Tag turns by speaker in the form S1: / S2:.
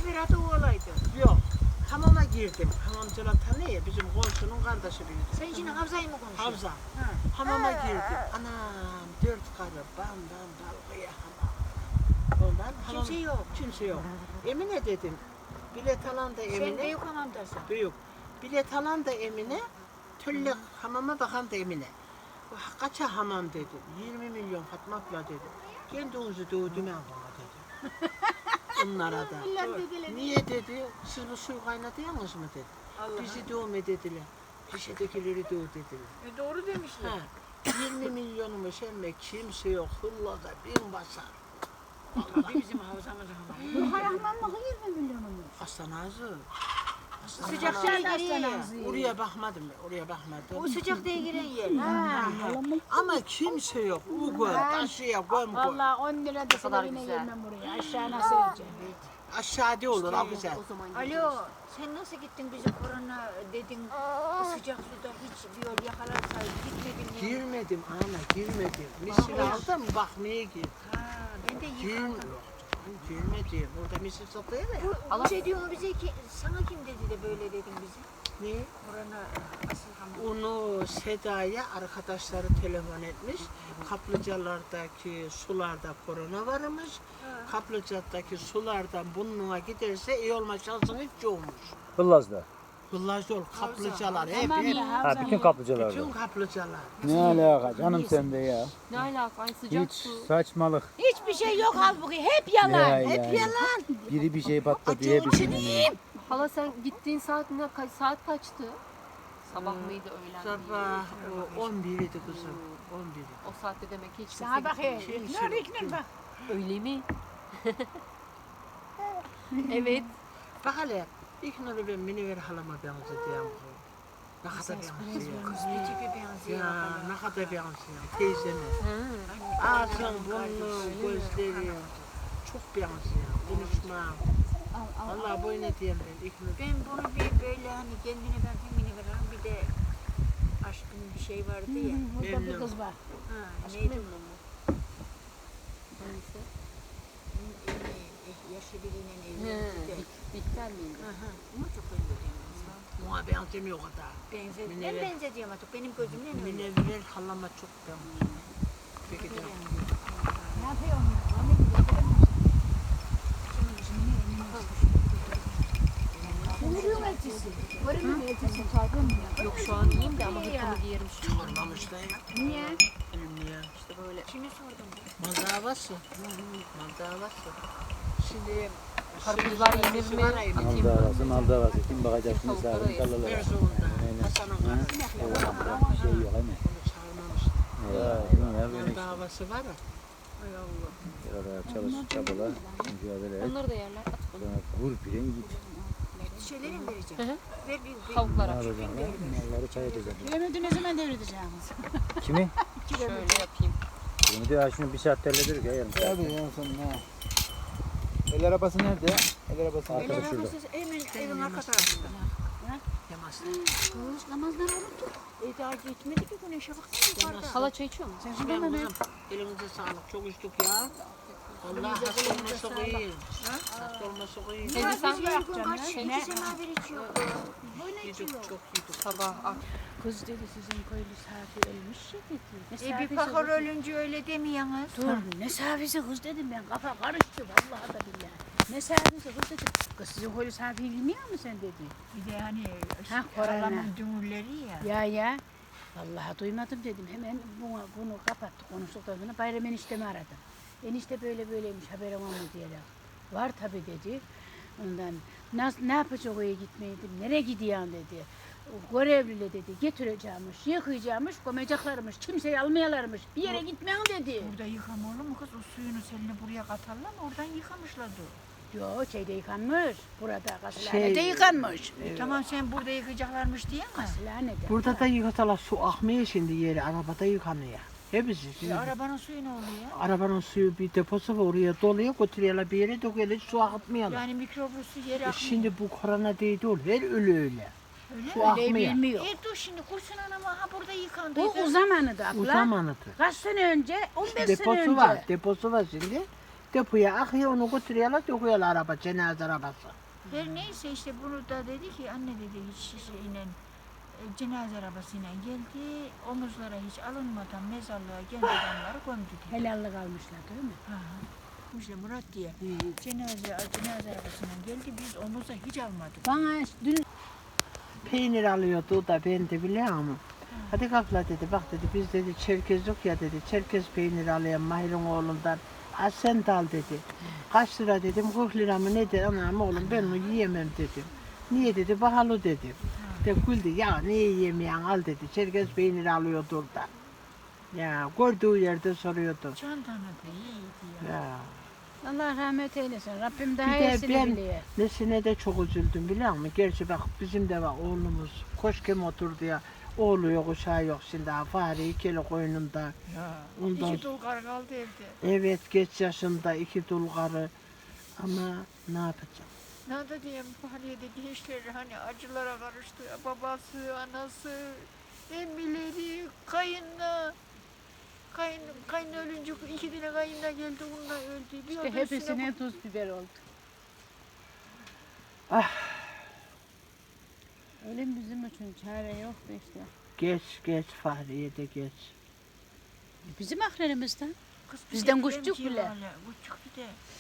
S1: sefer adı o olaydı.
S2: Yok. Hamama girdim. Hamamcılar tanıyor ya bizim komşunun kardeşi büyüdü.
S1: Sen şimdi Havza'yı mı konuşuyorsun?
S2: Havza.
S1: Ha.
S2: Hamama girdim. Anam 4 karı bandan dalgaya hamam. Ondan hamam.
S1: Kimse yok.
S2: Kimse yok. Emine dedim. Bilet alan da Emine.
S1: Sen büyük hamamdasın.
S2: Büyük. Bilet alan da Emine. Tüllü hamama bakan da Emine. Kaça hamam dedim. 20 milyon Fatma abla dedim. Kendinizi dövdüme bana dedim. Onlara da. Niye dedi? Siz bu suyu kaynatıyorsunuz mu dedi.
S1: Allah.
S2: Bizi dövme dediler. Şişedekileri döv dediler.
S1: Doğru demişler.
S2: Ha, 20 milyonumu emme kimse yok. Hıllada bin basar.
S1: Bir bizim Havza'mız hamam.
S3: Bu hayahmanlığı 20 milyonumuz.
S2: Hastanazı.
S1: Sıcak diye giriyor ya.
S2: Oraya bakmadım ben. Oraya bakmadım.
S1: O sıcak diye giren yer.
S2: Ama kimse yok. Uğur, taşıya, göm koy.
S3: Valla 10 lira da sana yine gelmem buraya. Aşağı nasıl edeceğim?
S2: Aşağıda olur ha güzel.
S1: Alo, sen nasıl gittin bize korona dedin, sıcak suda hiç bir yol yakalarsa gitmedin mi?
S2: Girmedim ana girmedim. Misini aldım bakmaya gir.
S1: Ha, ben de yıkandım.
S2: Girmedim. Orada misil satıyor ya.
S1: Bu şey diyor mu bize ki, sana kim dedi de böyle dedin bize?
S2: Ne?
S1: Korona asıl hamam.
S2: Onu Seda'ya arkadaşları telefon etmiş. Kaplıcalardaki sularda korona varmış. Kaplıcadaki sulardan burnuna giderse iyi olma şansın hiç yokmuş.
S4: Hıllaz'da.
S2: Kıllaz yol, kaplıcalar hep
S3: Tamam
S2: hep.
S3: da
S4: Ha
S3: Havza'nın.
S4: bütün kaplıcalarda.
S2: Bütün kaplıcalar.
S4: Ne alaka canım sende ya.
S5: Ne alaka? Ay sıcak
S4: Hiç
S5: su.
S4: saçmalık.
S3: Hiçbir şey yok halbuki. Hep yalan.
S4: Ya,
S3: Hep
S4: ya.
S3: yalan.
S4: Biri bir şey patladı diye düşünüyorum.
S5: Hala sen gittiğin saat ne? Saat kaçtı? Sabah mıydı, öğlen miydi?
S2: Sabah o 11 idi kızım. 11.
S5: O saatte demek ki hiç
S3: Sana bak
S5: kimse
S3: he.
S5: gitmemiş.
S3: Ne İknur bak.
S5: Öyle mi? Evet.
S2: Bak hele İlknur'u ben Münevver halama benzetiyorum. Ne kadar benziyor.
S1: Kız bir tipi benziyor.
S2: Ya ne kadar benziyor teyzeme. Ağzın, burnun, gözleri çok benziyor. Konuşma. Vallahi bu ne diyeyim ben İlknur.
S1: Ben bunu bir böyle hani kendine ben femini veren bir de aşkın bir şey vardı ya.
S3: Burada bir kız var.
S1: Ha, neydi?
S5: Neyse.
S1: Yaşı biriyle
S5: He,
S1: evlendi de.
S5: Bihter miydi?
S1: Aha, ama çok benzediyorum.
S2: Buna benzemiyor o kadar.
S1: Ben
S2: Münevver.
S1: benzediyorum artık benim gözümle öyle.
S2: Münevver halama çok benziyor. Peki de.
S3: Ne yapıyorsun? Ne gidiyor? Kumru'nun elçisi. Kumru'nun elçisi çarpın mı?
S5: Yok şu an iyiyim de ama hırkamı giyerim şu an.
S2: Sormamış da ya.
S3: Niye?
S2: Niye?
S5: İşte böyle.
S1: Kimi sordum?
S2: Mazavası. Mazavası. Şimdi
S5: Karpuzlar yenir mi?
S4: Mal davası. Kim bakacak şimdi
S5: Tavuklara
S4: sağlık
S5: yesin.
S4: kallalara.
S2: Erzurum'da Hasan'ın karısı.
S4: Bir şey yok hani.
S2: Onu çağırmamıştı.
S4: Ya böyle işte.
S2: Davası var ya.
S1: Ay Allah.
S4: Beraber çalış, çabala, mücadele et.
S5: Onları da yerler. At onu.
S4: Sonra vur bilen git.
S1: Şeyleri mi vereceğim?
S5: Hı hı.
S1: Ver bir
S5: Tavuklara.
S4: Ne yapacaksın lan? Malları çay edeceğim.
S3: Yemedi ne zaman devredeceğimiz?
S4: Kimi?
S5: Şöyle yapayım.
S4: Bunu diyor şunu bir saat terledir ya yarım saat. Tabii ya sen ne? El arabası nerede? El arabası
S1: El
S4: arkadaş şurada.
S1: arabası hemen evin arka tarafında.
S2: Yamasın.
S3: Kız namazdan unuttuk.
S1: Daha gitmedi ki güneşe baksana yukarıda.
S5: Hala çay içiyor musun?
S3: Sen
S2: Ben
S3: şurada mı?
S2: kızım elinize sağlık. Çok içtik ya. Allah hasta olması iyi. Hasta olması iyi.
S5: Teyze sen
S1: Biz her gün kaç iki semaver içiyor.
S2: Yedik çok yedik.
S5: sabah ak.
S3: Kız dedi sizin köylü safi ölmüş ya dedi. Ne
S1: Bir
S3: safisi
S1: bakar
S3: kız?
S1: ölünce öyle demiyorsunuz.
S3: Dur ne safisi kız dedim ben kafa karıştı vallahi da billahi. Ne safisi kız dedim. Kız sizin köylü safi bilmiyor musun sen dedi.
S1: Bir de hani
S3: Ha, korona.
S1: Allah'ın dümürleri ya.
S3: Ya. Vallahi duymadım dedim. Hemen bunu kapattık konuştuktan sonra Bayram eniştemi aradım. Enişte böyle böyleymiş haberim var mı diyerek. Var tabii dedi. Ondan ne yapacak oraya gitmeyi dedim. Nereye gidiyorsun dedi. O görevliyle dedi getireceğimmiş, yıkayacakmış, koyacaklarmış, kimseyi almayalarmış, bir yere gitmeyin dedi.
S1: Burada yıkama olur mu kız? O suyunu seline buraya katarlar mı? Oradan yıkamışlar dur.
S3: Yo şeyde yıkanmış, burada Gasilhane'de
S2: Şey,
S3: yıkanmış.
S1: Tamam sen burada yıkayacaklarmış diye mi?
S3: Gasilhane'de.
S2: Burada da yıkatalar su akmıyor şimdi yeri. Arabada yıkanıyor. Hepsi. Şimdi
S1: Arabanın suyu ne oluyor?
S2: arabanın suyu bir deposu var oraya doluyor götürüyorlar bir yere döküyorlar su akıtmıyorlar.
S1: Yani mikroblu su yere akmıyor.
S2: Şimdi bu korona değil her ölü öyle. Su
S3: Öyle
S2: akmıyor.
S3: bilmiyor.
S1: Dur şimdi kursun anam ha burada yıkandı.
S3: O zamanı da
S2: O
S3: abla.
S2: zamanıdır.
S3: Kaç sene önce? 15 sene
S2: Deposu
S3: önce.
S2: var. Deposu var şimdi. depoya akıyor, onu götürüyorlar, döküyorlar araba, cenaze arabası.
S1: Her neyse işte bunu da dedi ki anne dedi hiç şeyle cenaze arabasıyla geldi. Omuzlara hiç alınmadan mezarlığa geldi adamları gömdü dedi.
S3: Helallik almışlar değil mi?
S1: Ha. İşte Murat diye cenaze arabasıyla geldi biz omuza hiç almadık.
S3: Bana dün
S2: Peynir alıyordu o da ben de biliyor musun? Hadi kapla dedi, bak dedi, biz dedi Çerkez yok ya dedi, Çerkez peyniri alayım Mahir'in oğlundan. Az sen de al dedi. Kaç lira dedim, 40 lira mı nedir anam oğlum ben onu yiyemem dedim. Niye dedi, pahalı dedim. De güldü, ya niye yiyemeyen al dedi, Çerkez peyniri alıyordu orada. Ya gördüğü yerde soruyordu.
S1: Can tanıdı iyiydi ya.
S2: Ya.
S3: Allah rahmet eylesin. Rabbim daha
S2: Bir de
S3: iyisini
S2: ben
S3: biliyor.
S2: nesine de çok üzüldüm biliyor musun? Gerçi bak bizim de var oğlumuz koşkem oturdu ya. Oğlu yok uşağı yok şimdi ha. Fare ikili koynunda.
S1: Ya.
S2: Ondan,
S1: İki dul karı kaldı evde.
S2: evet geç yaşında 2 dul karı. Ama ne yapacağım?
S1: Ne da diyeyim Fahriye'de gençleri hani acılara karıştı. Babası, anası, emmileri, kayınla. Kayın ölünce 2 tane kayınla geldi onunla öldü. Bir
S3: İşte
S1: o da
S3: hepsine tuz biber oldu.
S2: Ah.
S3: Ölüm bizim için çare yok da işte.
S2: Geç Fahriye de geç.
S3: Bizim aklerimizden.
S1: Kız bir
S3: Bizden
S1: de
S3: kuşçuk
S1: diyelim ki
S3: bile.
S1: hala, kuşçuk bir de.